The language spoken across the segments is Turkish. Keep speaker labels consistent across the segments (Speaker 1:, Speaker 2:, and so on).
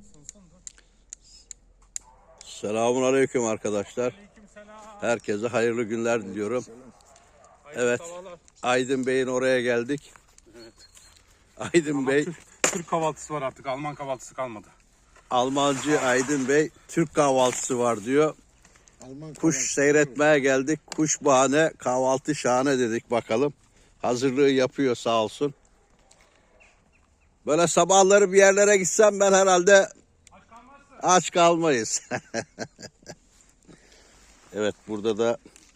Speaker 1: Selamun aleyküm arkadaşlar.
Speaker 2: Aleykümselam.
Speaker 1: Herkese hayırlı günler diliyorum.
Speaker 2: Hayırlı
Speaker 1: Evet,
Speaker 2: sabahlar.
Speaker 1: Aydın Bey'in oraya geldik.
Speaker 2: Evet.
Speaker 1: Aydın
Speaker 2: Ama
Speaker 1: Bey,
Speaker 2: Türk kahvaltısı var artık. Alman kahvaltısı kalmadı.
Speaker 1: Almancı Aydın Bey, Türk kahvaltısı var diyor. Kuş seyretmeye geldik. Kuş bahane, kahvaltı şahane dedik bakalım. Hazırlığı yapıyor sağ olsun. Böyle sabahları bir yerlere gitsem ben herhalde
Speaker 2: Aç kalmazsın.
Speaker 1: aç kalmayız. Evet, burada da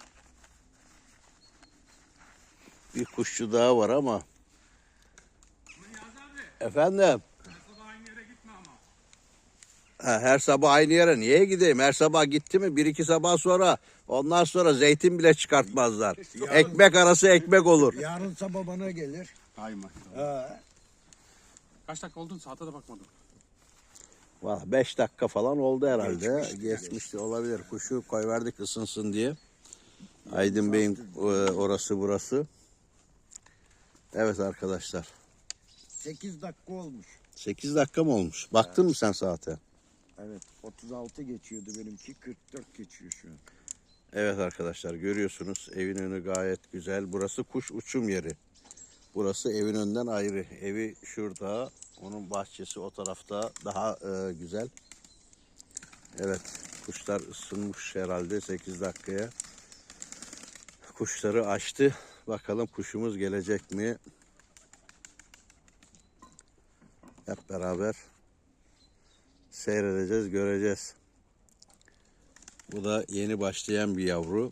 Speaker 1: bir kuşçu daha var ama.
Speaker 2: Niyazi abi.
Speaker 1: Efendim?
Speaker 2: Her sabah aynı yere gitme ama.
Speaker 1: Her sabah aynı yere niye gideyim? Her sabah gitti mi bir iki sabah sonra ondan sonra zeytin bile çıkartmazlar. Ekmek arası ekmek olur.
Speaker 3: Yarın sabah bana gelir.
Speaker 2: Hay maşallah.
Speaker 3: Ha,
Speaker 2: Kaç dakika oldu? Saate de bakmadım.
Speaker 1: Valla 5 dakika falan oldu herhalde. Geçmişti olabilir. Kuşu koyverdik ısınsın diye. Aydın Bey'in orası burası. Evet arkadaşlar.
Speaker 3: 8 dakika olmuş.
Speaker 1: 8 dakika mı olmuş? Baktın mı sen saate?
Speaker 3: Evet, 36 geçiyordu benimki, 44 geçiyor şu an.
Speaker 1: Evet arkadaşlar görüyorsunuz evin önü gayet güzel. Burası kuş uçum yeri. Burası evin önünden ayrı. Evi şurada. Onun bahçesi o tarafta daha güzel. Evet kuşlar ısınmış herhalde 8 dakikaya. Kuşları açtı. Bakalım kuşumuz gelecek mi? Hep beraber seyredeceğiz, göreceğiz. Bu da yeni başlayan bir yavru.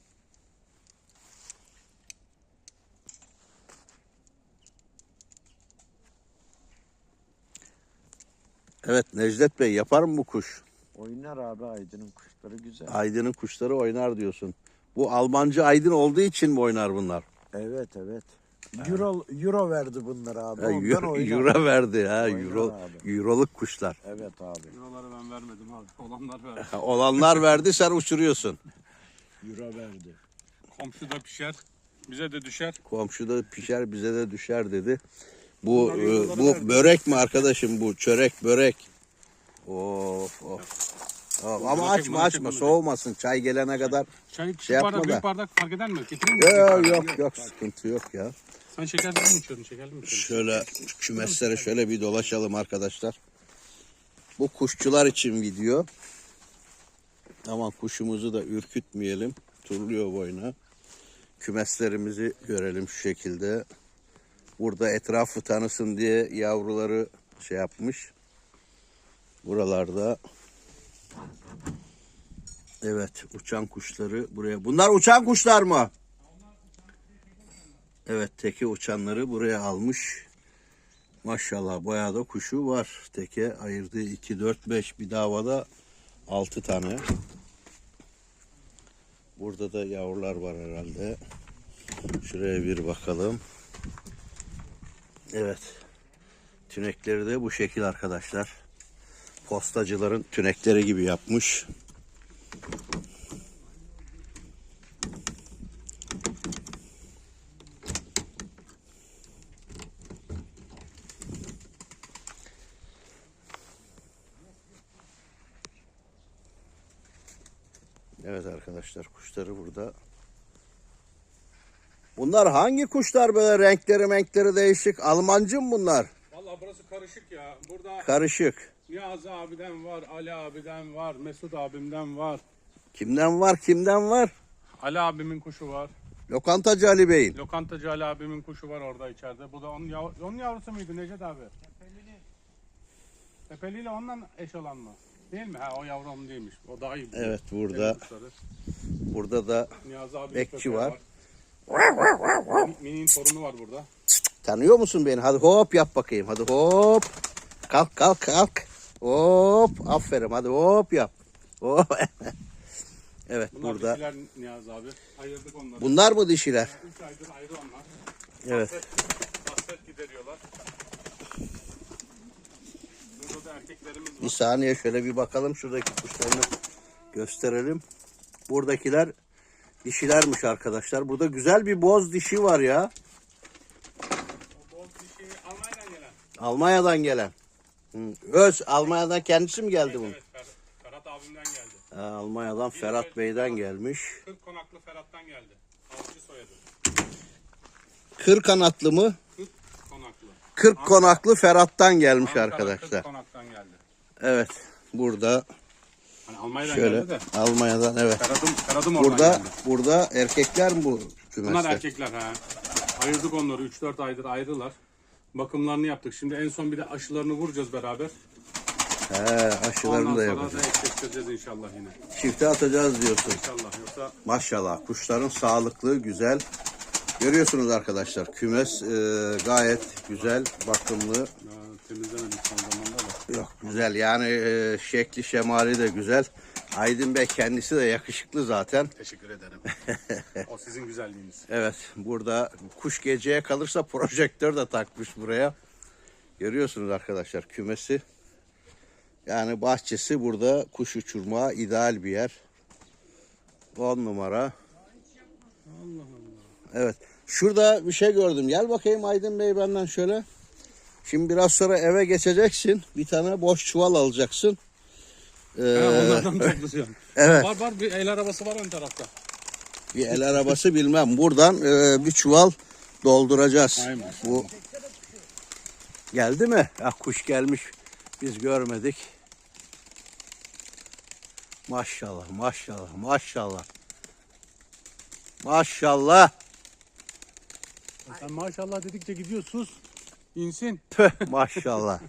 Speaker 1: Evet Necdet Bey yapar mı bu kuş?
Speaker 3: Oynar abi, Aydın'ın kuşları güzel.
Speaker 1: Aydın'ın kuşları oynar diyorsun. Bu Almancı Aydın olduğu için mi oynar bunlar?
Speaker 3: Evet, evet. Euro verdi bunlara abi.
Speaker 1: Ha,
Speaker 3: Ondan oynar.
Speaker 1: euro verdi ha,
Speaker 3: Oynar
Speaker 1: euro,
Speaker 3: abi.
Speaker 1: euroluk kuşlar.
Speaker 3: Evet abi.
Speaker 2: Euroları ben vermedim abi. Olanlar verdi.
Speaker 1: Olanlar verdi sen uçuruyorsun.
Speaker 3: Euro verdi.
Speaker 2: Komşu da pişer. Bize de düşer.
Speaker 1: Komşuda pişer bize de düşer dedi. Bu börek mi arkadaşım bu? Çörek börek. Of of. Ama açma soğumasın çay gelene kadar.
Speaker 2: Çay küçük
Speaker 1: yapma
Speaker 2: bardak,
Speaker 1: da.
Speaker 2: büyük bardak fark eder mi? Getireyim mi?
Speaker 1: Yok sıkıntı yok ya.
Speaker 2: Sen şekerli mi içiyordun? Şekerli mi içiyordun?
Speaker 1: Şöyle kümeslere şöyle bir dolaşalım arkadaşlar. Bu kuşçular için video. Ama kuşumuzu da ürkütmeyelim. Turluyor boyuna. Kümeslerimizi görelim şu şekilde. Burada etrafı tanısın diye yavruları şey yapmış. Buralarda. Evet uçan kuşları buraya. Bunlar uçan kuşlar mı? Evet teke uçanları buraya almış. Maşallah bayağı da kuşu var. Teke ayırdığı 2, 4, 5 bir davada 6 tane. Burada da yavrular var herhalde. Şuraya bir bakalım. Evet. Tünekleri de bu şekil arkadaşlar. Postacıların tünekleri gibi yapmış. Evet arkadaşlar kuşları burada. Bunlar hangi kuşlar böyle renkleri değişik? Almancı mı bunlar?
Speaker 2: Vallahi burası karışık ya. Burada
Speaker 1: Karışık.
Speaker 2: Niyazi abiden var, Ali abiden var, Mesut abimden var.
Speaker 1: Kimden var?
Speaker 2: Ali abimin kuşu var.
Speaker 1: Lokantacı Ali Bey'in.
Speaker 2: Lokantacı Ali abimin kuşu var orada içeride. Bu da onun yavrusu muydu Necdet abi? Tepeli ile ondan eş olan mı? Değil mi? Ha o yavru onun değilmiş. O daha iyi.
Speaker 1: Evet burada da
Speaker 2: Niyazi abi
Speaker 1: bekçi var.
Speaker 2: Mini'nin torunu var burada.
Speaker 1: Tanıyor musun beni? Hadi hop yap bakayım. Hadi hop. Kalk. Hop. Aferin. Hadi hop yap. Hop. Evet
Speaker 2: Bunlar
Speaker 1: burada.
Speaker 2: dişiler Niyazi abi. Ayırdık onları.
Speaker 1: Bunlar mı dişiler?
Speaker 2: 3 aydır ayrı onlar.
Speaker 1: Evet.
Speaker 2: Hasret gideriyorlar. Burada da erkeklerimiz var.
Speaker 1: Bir saniye şöyle bir bakalım. Şuradaki kuşlarını gösterelim. Buradakiler dişilermiş arkadaşlar. Burada güzel bir boz dişi var ya.
Speaker 2: O boz dişi Almanya'dan gelen.
Speaker 1: Almanya'dan gelen. Öz Almanya'dan kendisi mi geldi bu?
Speaker 2: Evet, Ferhat abimden geldi.
Speaker 1: Almanya'dan Ferhat Bey'den gelmiş.
Speaker 2: 40 konaklı Ferhat'tan geldi. Avcı soyadı.
Speaker 1: Kır kanatlı mı?
Speaker 2: 40 konaklı.
Speaker 1: 40 konaklı Ferhat'tan gelmiş
Speaker 2: Ankara
Speaker 1: arkadaşlar.
Speaker 2: 40 konaktan geldi.
Speaker 1: Evet. Burada
Speaker 2: Hani Almanya'dan
Speaker 1: şöyle
Speaker 2: geldi de.
Speaker 1: Almanya'dan evet.
Speaker 2: Ferhat'ım oradan
Speaker 1: Burada
Speaker 2: geldi.
Speaker 1: burada erkekler mi bu kümeste?
Speaker 2: Bunlar erkekler ha. Ayırdık onları 3-4 aydır ayrılar. Bakımlarını yaptık. Şimdi en son bir de aşılarını vuracağız beraber.
Speaker 1: Aşılarını
Speaker 2: Ondan
Speaker 1: da
Speaker 2: sonra
Speaker 1: yapacağız.
Speaker 2: da eşleştireceğiz inşallah yine.
Speaker 1: Çifte atacağız diyorsun.
Speaker 2: İnşallah yoksa
Speaker 1: Maşallah kuşların sağlıklı, güzel. Görüyorsunuz arkadaşlar kümes gayet güzel, bakımlı.
Speaker 2: temizlemedik son zamanda da.
Speaker 1: Yok güzel yani şekli şemali de güzel. Aydın Bey kendisi de yakışıklı zaten.
Speaker 2: Teşekkür ederim. O sizin güzelliğiniz.
Speaker 1: Evet burada kuş geceye kalırsa projektör de takmış buraya. Görüyorsunuz arkadaşlar kümesi. Yani bahçesi burada kuş uçurmaya ideal bir yer. 10 numara.
Speaker 2: Allah Allah.
Speaker 1: Evet. Şurada bir şey gördüm. Gel bakayım Aydın Bey benden şöyle. Şimdi biraz sonra eve geçeceksin. Bir tane boş çuval alacaksın.
Speaker 2: Onlardan toplayacağım.
Speaker 1: Evet.
Speaker 2: Var bir el arabası var ön tarafta.
Speaker 1: Bir el arabası bilmem. Buradan bir çuval dolduracağız.
Speaker 2: Aynen.
Speaker 1: Bu geldi mi? Ah, kuş gelmiş. Biz görmedik. Maşallah, maşallah, maşallah. Maşallah.
Speaker 2: Sen maşallah dedikçe gidiyor sus. İnsin.
Speaker 1: Tüh, maşallah.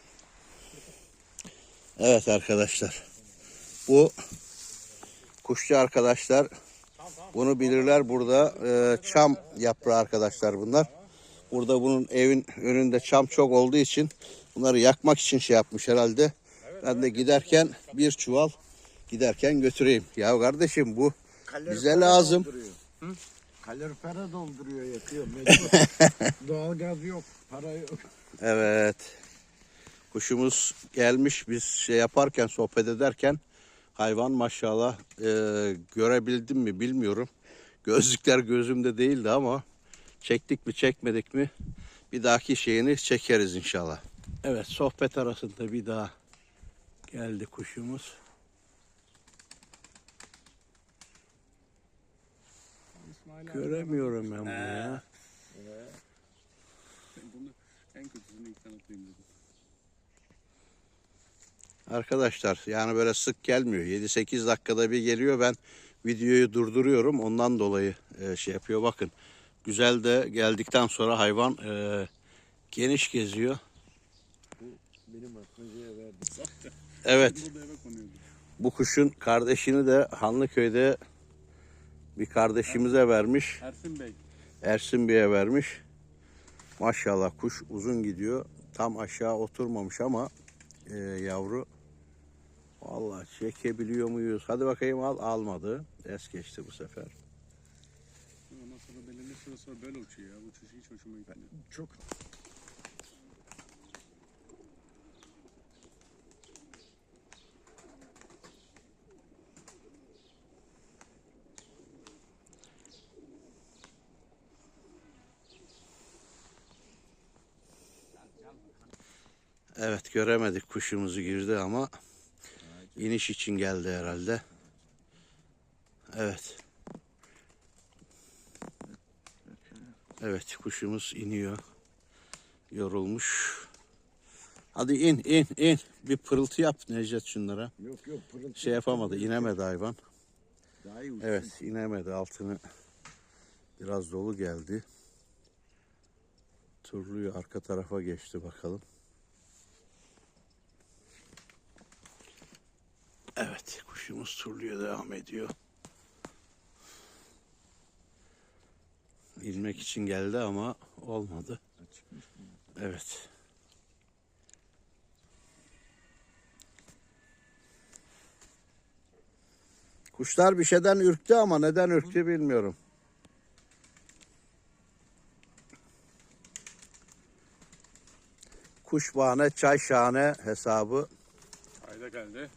Speaker 1: Evet arkadaşlar. Bu kuşçu arkadaşlar bunu bilirler. Burada çam yaprağı arkadaşlar bunlar. Burada bunun evin önünde çam çok olduğu için bunları yakmak için şey yapmış herhalde. Ben de giderken bir çuval giderken götüreyim. Ya kardeşim bu bize lazım.
Speaker 3: Kalorifere dolduruyor, yakıyor. Mecbur. Doğalgaz yok, para yok.
Speaker 1: Evet. Kuşumuz gelmiş. Biz şey yaparken, sohbet ederken hayvan maşallah görebildim mi bilmiyorum. Gözlükler gözümde değildi ama çektik mi çekmedik mi bir dahaki şeyini çekeriz inşallah. Evet, sohbet arasında bir daha geldi kuşumuz. Göremiyorum ben bunu ya.
Speaker 2: Bunu en kötüsünü ilk sen atayım dedim.
Speaker 1: Arkadaşlar yani böyle sık gelmiyor. 7-8 dakikada bir geliyor. Ben videoyu durduruyorum. Ondan dolayı şey yapıyor. Bakın güzel de geldikten sonra hayvan geniş geziyor.
Speaker 3: Benim atmacaya verdim.
Speaker 1: Evet.
Speaker 2: Burada eve konuyordu.
Speaker 1: Bu kuşun kardeşini de Hanlıköy'de bir kardeşimize vermiş.
Speaker 2: Ersin Bey.
Speaker 1: Ersin Bey'e vermiş. Maşallah kuş uzun gidiyor. Tam aşağı oturmamış ama yavru. Vallahi çekebiliyor muyuz? Hadi bakayım al. Almadı. Es geçti bu sefer.
Speaker 2: Ondan sonra belirli süre sonra böyle uçuyor ya. Bu uçuş hiç hoşuma gitmiyor.
Speaker 3: Çok
Speaker 1: Evet göremedik kuşumuzu girdi ama iniş için geldi herhalde. Evet. Evet kuşumuz iniyor. Yorulmuş. Hadi in in in. Bir pırıltı yap Necdet şunlara.
Speaker 3: yok pırıltı.
Speaker 1: Şey yapamadı, inemedi hayvan.
Speaker 3: Daha iyi uçsun.
Speaker 1: Evet inemedi, altını biraz dolu geldi. Turluyu arka tarafa geçti bakalım. Evet kuşumuz turluya devam ediyor. İnmek için geldi ama olmadı. Evet. Kuşlar bir şeyden ürktü ama neden ürktü bilmiyorum. Kuş bahane, çay şahane hesabı.
Speaker 2: Ayda geldi.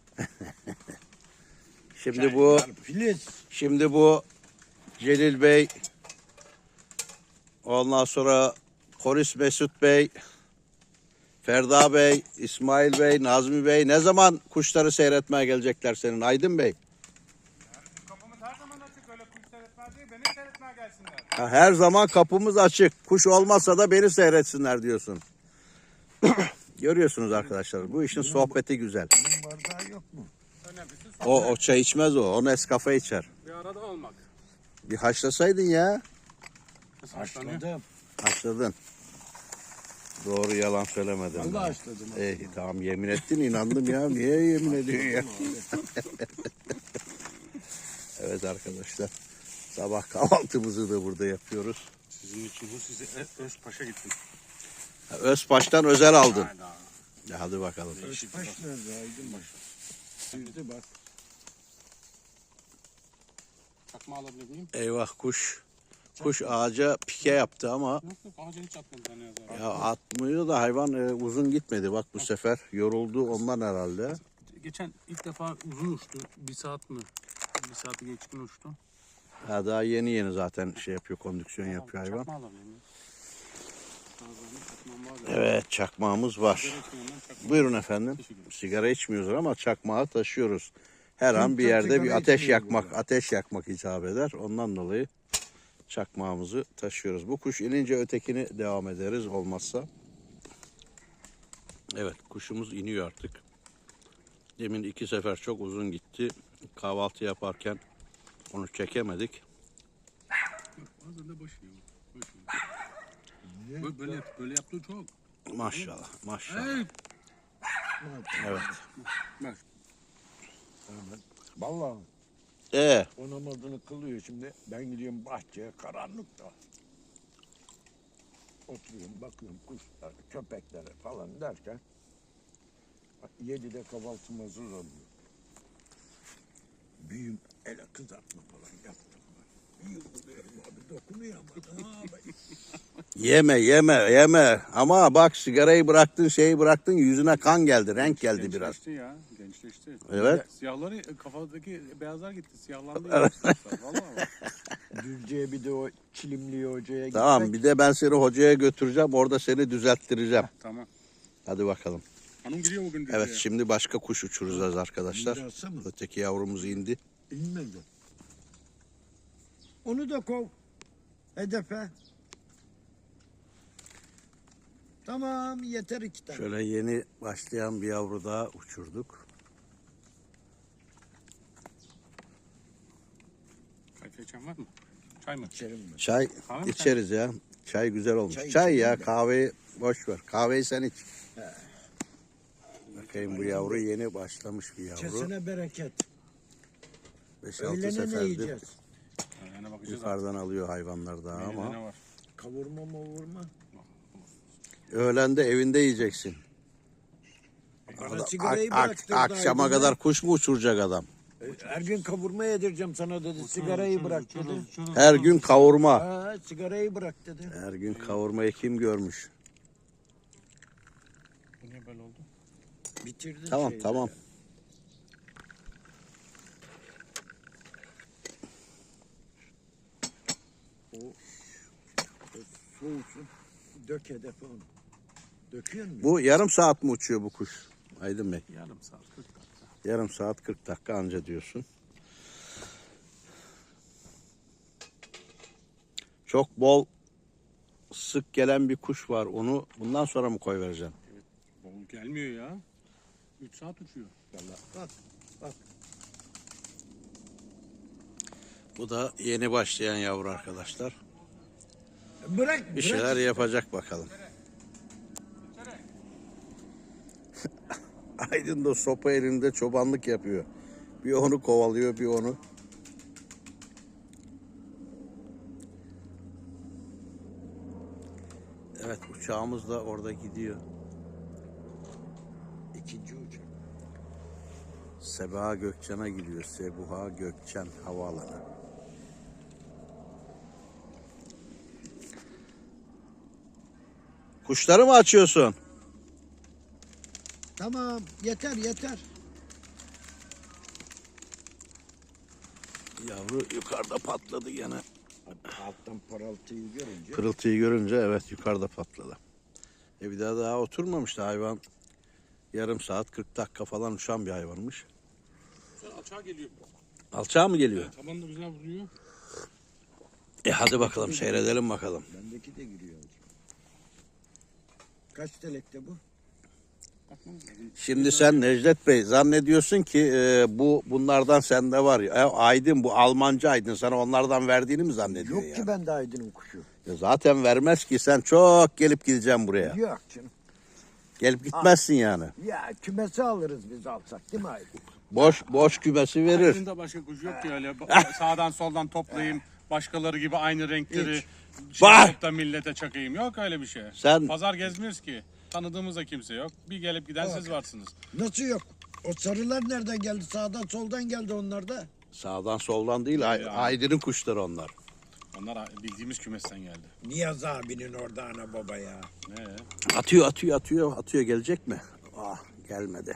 Speaker 1: Şimdi bu Celil Bey, ondan sonra Polis Mesut Bey, Ferda Bey, İsmail Bey, Nazmi Bey ne zaman kuşları seyretmeye gelecekler senin Aydın Bey?
Speaker 2: Kapımız her zaman açık. Öyle kuş seyretmez değil. Beni seyretmeye gelsinler.
Speaker 1: Ha, her zaman kapımız açık. Kuş olmazsa da beni seyretsinler diyorsun. Görüyorsunuz arkadaşlar bu işin sohbeti güzel.
Speaker 3: Bunun bardağı yok mu?
Speaker 2: Önemlisi
Speaker 1: O çay içmez o. O Nescafe içer.
Speaker 2: bir arada olmak.
Speaker 1: Bir haşlasaydın ya.
Speaker 3: Haşladım.
Speaker 1: Haşladın. Doğru yalan söylemedin.
Speaker 3: Vallahi haşladım.
Speaker 1: Tamam yemin ettin inandım ya. Niye yemin ediyorsun ya? Evet arkadaşlar. Sabah kahvaltımızı da burada yapıyoruz.
Speaker 2: Sizin için bu size Özpaş'a gittim.
Speaker 1: Özpaş'tan özel aldın.
Speaker 2: Hayda.
Speaker 1: Ya hadi bakalım.
Speaker 3: Özbaş nerede Aydın baş? Sürdü bak.
Speaker 2: Çakma alabilir miyim?
Speaker 1: Eyvah kuş. Kuş ağaca pike yaptı ama
Speaker 2: Yok yok ağaca hiç atmadım ben yazar.
Speaker 1: ya atmıyor da hayvan uzun gitmedi. Bak bu sefer yoruldu ondan herhalde.
Speaker 2: Geçen ilk defa uzun uçtu. 1 saat mi? 1 saati geçkin uçtu.
Speaker 1: Ha, daha yeni zaten şey yapıyor, kondüksiyon yapıyor hayvan.
Speaker 2: Çakma alabilir miyim? Çakmam var da.
Speaker 1: Evet çakmağımız var.
Speaker 2: Sigara içmeyenler çakma.
Speaker 1: Buyurun efendim.
Speaker 2: Teşekkür ederim.
Speaker 1: Sigara içmiyoruz ama çakmağı taşıyoruz. Her an bir
Speaker 3: Kimse
Speaker 1: yerde bir
Speaker 3: sigara
Speaker 1: ateş
Speaker 3: içmiyor
Speaker 1: yakmak,
Speaker 3: burada.
Speaker 1: ateş yakmak icap eder. Ondan dolayı çakmağımızı taşıyoruz. Bu kuş inince ötekini devam ederiz olmazsa. Evet kuşumuz iniyor artık. Demin 2 sefer çok uzun gitti. Kahvaltı yaparken onu çekemedik.
Speaker 2: Bazen de başı yiyor. Böyle yaptığı çok.
Speaker 1: Maşallah maşallah.
Speaker 2: Hey!
Speaker 1: Evet.
Speaker 2: Bak.
Speaker 3: Vallahi o namazını kılıyor şimdi. Ben gidiyorum bahçeye karanlıkta. Oturuyorum bakıyorum kuşlar, köpeklere falan derken 7'de kahvaltım hazır oluyor. Büyüm ele kızartma falan yaptım. Bir yumuyorum abi dokunuyor ama abi.
Speaker 1: Yeme. Ama bak sigarayı bıraktın, şeyi bıraktın, yüzüne kan geldi, renk geldi biraz.
Speaker 2: Gençleşti ya. Gençleşti.
Speaker 1: Evet.
Speaker 2: Siyahları kafadaki beyazlar gitti. Siyahlandı. Vallahi bak.
Speaker 3: Düzce'ye bir de o Çilimli hocaya gitmek.
Speaker 1: Tamam bir de ben seni hocaya götüreceğim, orada seni düzelttireceğim.
Speaker 2: Tamam.
Speaker 1: Hadi bakalım.
Speaker 2: Hanım gidiyor bugün.
Speaker 1: Evet
Speaker 2: Düzce'ye.
Speaker 1: şimdi başka kuş uçuracağız arkadaşlar.
Speaker 3: Mirası mı?
Speaker 1: Öteki yavrumuz indi.
Speaker 3: İnmedi. Onu da kov. Hedefe. Tamam yeter 2 tane.
Speaker 1: Şöyle yeni başlayan bir yavru daha uçurduk.
Speaker 2: Kahve içen var mı? Çay mı?
Speaker 3: İçerim ben.
Speaker 1: Çay
Speaker 2: Kahve mi
Speaker 1: içeriz ya. Çay güzel olmuş.
Speaker 3: Çay
Speaker 1: Çay ya
Speaker 3: içelim de.
Speaker 1: kahveyi boş ver. Kahveyi sen iç. Bakayım bu yavru yeni başlamış bir yavru.
Speaker 3: Kesene bereket.
Speaker 1: 5-6
Speaker 3: Öğlene ne
Speaker 1: seferdir
Speaker 3: yiyeceğiz?
Speaker 2: Yani bakacağız.
Speaker 1: yukarıdan alıyor hayvanlar daha
Speaker 2: Menüde
Speaker 1: ama.
Speaker 2: ne var?
Speaker 3: Kavurma mavurma.
Speaker 1: Öğlen de evinde yiyeceksin.
Speaker 3: Bana sigarayı bıraktırdı
Speaker 1: Akşama
Speaker 3: Aydın
Speaker 1: kadar kuş mu uçuracak adam?
Speaker 3: Bey. Her gün kavurma yedireceğim sana dedi. Sigarayı bırak dedi.
Speaker 1: Her gün kavurma.
Speaker 3: Ha, sigarayı bırak dedi.
Speaker 1: Her gün kavurmayı kim görmüş?
Speaker 2: Bu niye böyle oldu?
Speaker 3: Bitirdin
Speaker 1: Tamam
Speaker 3: şeyleri.
Speaker 1: tamam.
Speaker 3: O soğusun. Dök hedefe onu. Döküyor musun?
Speaker 1: Bu yarım saat mi uçuyor bu kuş? Aydın Bey.
Speaker 2: Yarım saat 40 dakika.
Speaker 1: Yarım saat 40 dakika anca diyorsun. Çok bol sık gelen bir kuş var. Onu bundan sonra mı koy vereceğim?
Speaker 2: Bol gelmiyor ya. 3 saat uçuyor.
Speaker 3: Bak. Bak.
Speaker 1: Bu da yeni başlayan yavru arkadaşlar.
Speaker 3: Bırak.
Speaker 1: Bir şeyler yapacak bakalım. Aydın da sopa elinde çobanlık yapıyor. Bir onu kovalıyor, bir onu. Evet, uçağımız da orada gidiyor.
Speaker 3: İkinci uçak.
Speaker 1: Sebaha Gökçen'e gidiyor. Sebuha Gökçen Havaalanı. Kuşları mı açıyorsun?
Speaker 3: Tamam yeter.
Speaker 1: Yavru yukarıda patladı gene.
Speaker 3: Alttan paraltıyı görünce.
Speaker 1: Pırıltıyı görünce evet yukarıda patladı. Bir daha oturmamıştı hayvan. Yarım saat 40 dakika falan uçan bir hayvanmış.
Speaker 2: Şöyle alçağa geliyor.
Speaker 1: Alçağa mı geliyor?
Speaker 2: Tabanı da güzel vuruyor.
Speaker 1: Hadi bakalım seyredelim bakalım.
Speaker 3: Bendeki de giriyor. Kaç telekte bu?
Speaker 1: Şimdi sen Necdet Bey zannediyorsun ki bunlardan sende var ya. Aydın bu Almanca Aydın sana onlardan verdiğini mi zannediyor
Speaker 3: Yok
Speaker 1: ya?
Speaker 3: ki bende Aydın'ın kuşu.
Speaker 1: Zaten vermez ki sen çok gelip gideceksin buraya.
Speaker 3: Yok canım.
Speaker 1: Gelip gitmezsin yani.
Speaker 3: Ya kümesi alırız biz alsak değil mi Aydın?
Speaker 1: Boş kümesi verir.
Speaker 2: Aydın'da başka kuş yok ki öyle. Sağdan soldan toplayayım. Başkaları gibi aynı renkleri
Speaker 1: Bah!
Speaker 2: yapıp da millete çakayım. Yok öyle bir şey.
Speaker 1: Sen-
Speaker 2: Pazar gezmiyoruz ki. Tanıdığımız da kimse yok. Bir gelip giden siz varsınız.
Speaker 3: Nasıl yok? O sarılar nereden geldi? Sağdan soldan geldi onlar da.
Speaker 1: Sağdan soldan değil Aydın'ın kuşları onlar.
Speaker 2: Onlar bildiğimiz kümesten geldi.
Speaker 3: Niyaz abinin orada ana baba ya.
Speaker 2: Ne?
Speaker 1: Atıyor gelecek mi? Gelmedi.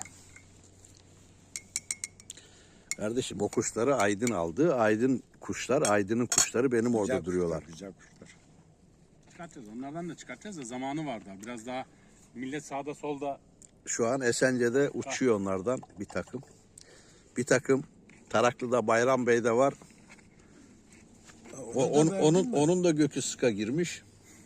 Speaker 1: Kardeşim o kuşları Aydın aldı. Aydın'ın kuşları benim orada
Speaker 3: Güzel
Speaker 1: duruyorlar.
Speaker 3: kuşlar, güzel kuşlar.
Speaker 2: Çıkartacağız. Onlardan da çıkartacağız da zamanı var daha. Biraz daha millet sağda solda.
Speaker 1: Şu an Esence'de uçuyor onlardan bir takım. Bir takım Taraklı'da Bayram Bey'de var. Onun da gökü sıka girmiş.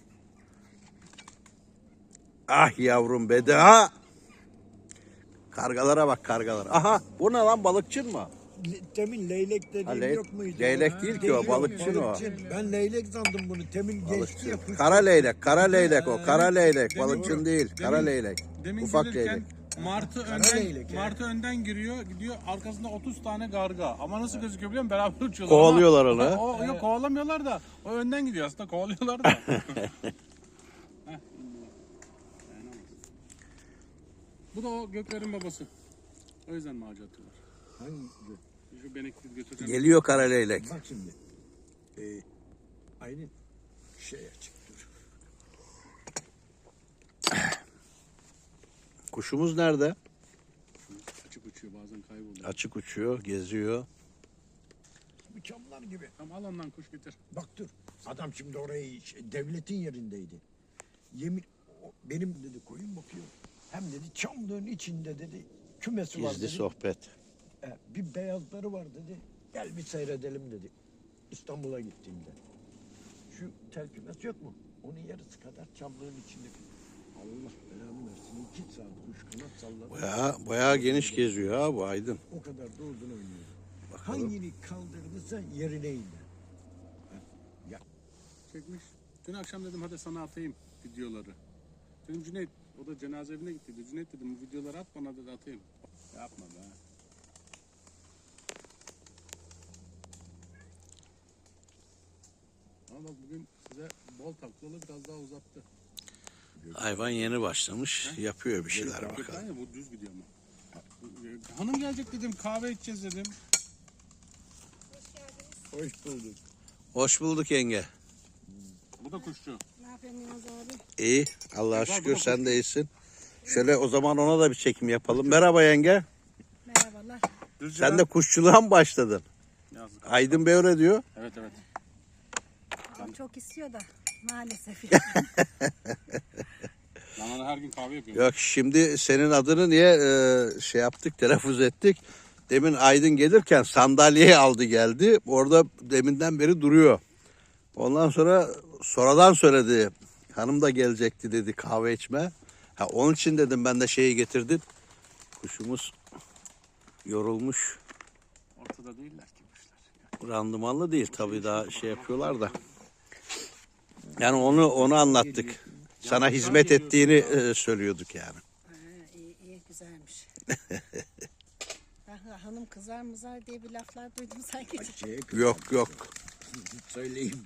Speaker 1: Ah yavrum be de ha. Kargalara bak kargalar. Aha bu ne lan balıkçın mı?
Speaker 3: Temin leylek dediğim yok muydu?
Speaker 1: Leylek değil ki o
Speaker 3: Yok,
Speaker 1: balıkçın o.
Speaker 3: Ben leylek sandım bunu. Temin geçti ya. kuş.
Speaker 1: Kara leylek o. Kara leylek. Balıkçın değil. Kara leylek.
Speaker 2: Demin
Speaker 1: Ufak
Speaker 2: gelirken
Speaker 1: leylek.
Speaker 2: Martı
Speaker 3: leylek
Speaker 2: önden giriyor, gidiyor arkasında 30 tane garga. Ama nasıl gözüküyor biliyor musun? Beraber uçuyorlar.
Speaker 1: Kovalıyorlar
Speaker 2: Ama
Speaker 1: onu.
Speaker 2: Yok kovalamıyorlar da. O önden gidiyor aslında kovalıyorlar da. Heh. Bu da o göklerin babası. O yüzden macera atıyorlar.
Speaker 3: Hangi?
Speaker 2: Şu benekli götüreceğim.
Speaker 1: Geliyor kara leylek.
Speaker 3: Bak şimdi. Aynı şey açık dur.
Speaker 1: Kuşumuz nerede?
Speaker 2: Açık uçuyor bazen kayboluyor.
Speaker 1: Açık uçuyor, geziyor.
Speaker 3: Bu çamlar gibi.
Speaker 2: Tamam al ondan kuş getir.
Speaker 3: Bak dur. Adam şimdi orayı devletin yerindeydi. Yemin benim dedi koyun bakıyor. Hem dedi çamlığın içinde dedi kümesi var
Speaker 1: Gizli
Speaker 3: dedi.
Speaker 1: sohbet.
Speaker 3: Bir beyazları var dedi. Gel bir seyredelim dedi. İstanbul'a gittiğimde. Şu tel kümesi yok mu? Onun yarısı kadar çamlığın içinde. Allah belanı versin. 2 saat kuş kanat salladı.
Speaker 1: Bayağı geniş geziyor ha bu Aydın.
Speaker 3: O kadar da uzun oynuyor.
Speaker 1: Bakalım.
Speaker 3: Hangini kaldırdıysa yerine indi. Ya
Speaker 2: Çekmiş. Dün akşam dedim hadi sana atayım videoları. Dedim Cüneyt, o da cenaze evine gittiydi. Cüneyt dedim bu videoları at bana dedi atayım. Yapma be. Ama bak bugün size bol taklalı biraz daha uzattı.
Speaker 1: Hayvan yeni başlamış. Yapıyor bir şeyler bakalım.
Speaker 2: Aynen bu düz gidiyor ama. Hanım gelecek dedim kahve içeceğiz dedim.
Speaker 3: hoş bulduk.
Speaker 1: Hoş bulduk yenge.
Speaker 2: Bu da kuşçu.
Speaker 4: Ne yapıyorsun Yılmaz abi?
Speaker 1: İyi. Allah'a şükür sen de iyisin. Şöyle o zaman ona da bir çekim yapalım. Merhaba yenge.
Speaker 4: Merhabalar.
Speaker 1: Sen de kuşçuluğa mı başladın?
Speaker 2: Yazık.
Speaker 1: Aydın Bey öyle diyor.
Speaker 2: Evet evet.
Speaker 4: Babam çok istiyor da maalesef.
Speaker 2: Ben ona her gün kahve yapıyorum.
Speaker 1: Yok şimdi senin adını niye şey yaptık, telaffuz ettik. Demin Aydın gelirken sandalyeyi aldı geldi. Orada deminden beri duruyor. Ondan sonra sonradan söyledi. Hanım da gelecekti dedi kahve içme. Onun için dedim ben de şeyi getirdim. Kuşumuz yorulmuş.
Speaker 2: Ortada değiller ki kuşlar.
Speaker 1: Randımanlı değil tabii daha şey yapıyorlar da. Yani onu anlattık. Sana hizmet ettiğini söylüyorduk yani.
Speaker 4: iyi güzelmiş. Ben hanım kızar mızar diye bir laflar duydum sanki.
Speaker 1: Yok.
Speaker 3: Söyleyeyim.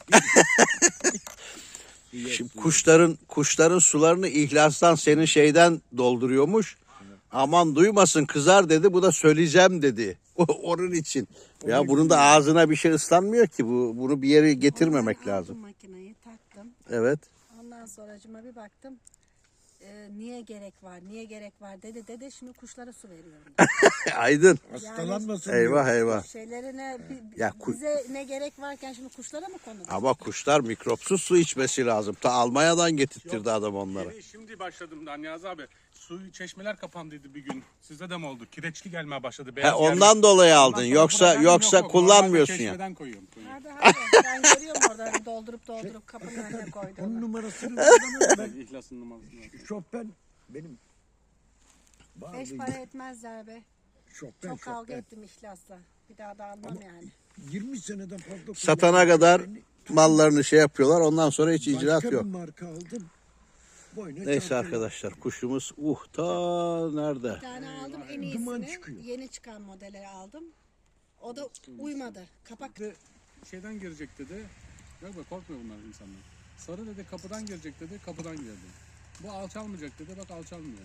Speaker 1: Şimdi kuşların sularını ihlastan senin şeyden dolduruyormuş. Aman duymasın kızar dedi. Bu da söyleyeceğim dedi. Onun için. Ya bunun da ağzına bir şey ıslanmıyor ki. Bunu bir yere getirmemek
Speaker 4: Aldım
Speaker 1: lazım.
Speaker 4: makineyi taktım.
Speaker 1: Evet.
Speaker 4: Ondan sonracıma bir baktım. niye gerek var, niye gerek var dedi. Şimdi kuşlara su veriyorum.
Speaker 1: Aydın.
Speaker 3: Hastalanmasın
Speaker 1: Eyvah
Speaker 3: diyor.
Speaker 1: eyvah.
Speaker 4: Şeylerine
Speaker 1: Ya
Speaker 4: bize ne gerek varken şimdi kuşlara mı konulur?
Speaker 1: Ama kuşlar mikropsuz su içmesi lazım. Ta Almanya'dan getirtirdi adam onları.
Speaker 2: Yeni şimdi başladım da Niyazi abi. Su çeşmeler kapandıydı bir gün. Sizde de mi oldu? Kireçli gelmeye başladı.
Speaker 1: He,
Speaker 2: Beyaz
Speaker 1: ondan
Speaker 2: geldi.
Speaker 1: dolayı
Speaker 2: Ondan
Speaker 1: aldın.
Speaker 2: sonra
Speaker 1: Yoksa
Speaker 2: problem
Speaker 1: yoksa
Speaker 2: yok.
Speaker 1: kullanmıyorsun
Speaker 2: Normalde
Speaker 1: ya.
Speaker 2: çeşmeden koyuyorum.
Speaker 4: Hadi ben görüyorum orada doldurup kapının önüne
Speaker 3: Onun
Speaker 4: koyduğunu.
Speaker 3: numarasını vermem ben.
Speaker 2: İhlas'ın numarasını ver.
Speaker 3: Chopin benim.
Speaker 4: 5 para etmezler be.
Speaker 3: Chopin,
Speaker 4: Çok kavga
Speaker 3: Chopin.
Speaker 4: ettim ihlasla. Bir daha da almam yani.
Speaker 3: 20 seneden fazla
Speaker 1: Satana
Speaker 3: kullandım.
Speaker 1: kadar
Speaker 3: Ben
Speaker 1: mallarını şey yapıyorlar. Ondan sonra hiç icraat
Speaker 3: başka
Speaker 1: yok.
Speaker 3: bir marka aldım. Boyuna
Speaker 1: Neyse
Speaker 3: çarpıyor.
Speaker 1: arkadaşlar, kuşumuz ta nerede?
Speaker 4: Bir tane aldım en
Speaker 3: Duman
Speaker 4: iyisini.
Speaker 3: çıkıyor.
Speaker 4: Yeni çıkan modeli aldım. O da uymadı. Kapak
Speaker 2: De şeyden girecek dedi. Yok be korkmuyor bunlar insanlar. Sarı dedi kapıdan girecek dedi. Kapıdan girdi. Bu alçalmayacak dedi. Bak alçalmıyor.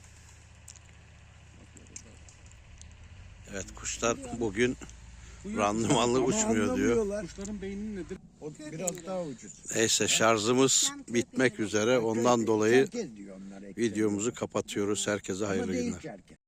Speaker 1: Evet, kuşlar bugün
Speaker 2: Bu
Speaker 1: randımanlı
Speaker 3: Ama
Speaker 1: uçmuyor diyor.
Speaker 3: anlamıyorlar.
Speaker 2: Kuşların beyninin nedir?
Speaker 3: O biraz daha ucuz.
Speaker 1: Neyse, şarjımız bitmek üzere. Ondan dolayı
Speaker 3: Herkes diyor onlar ekmek.
Speaker 1: videomuzu kapatıyoruz. Herkese
Speaker 3: Ama
Speaker 1: hayırlı
Speaker 3: değil
Speaker 1: günler.
Speaker 3: ki herkes.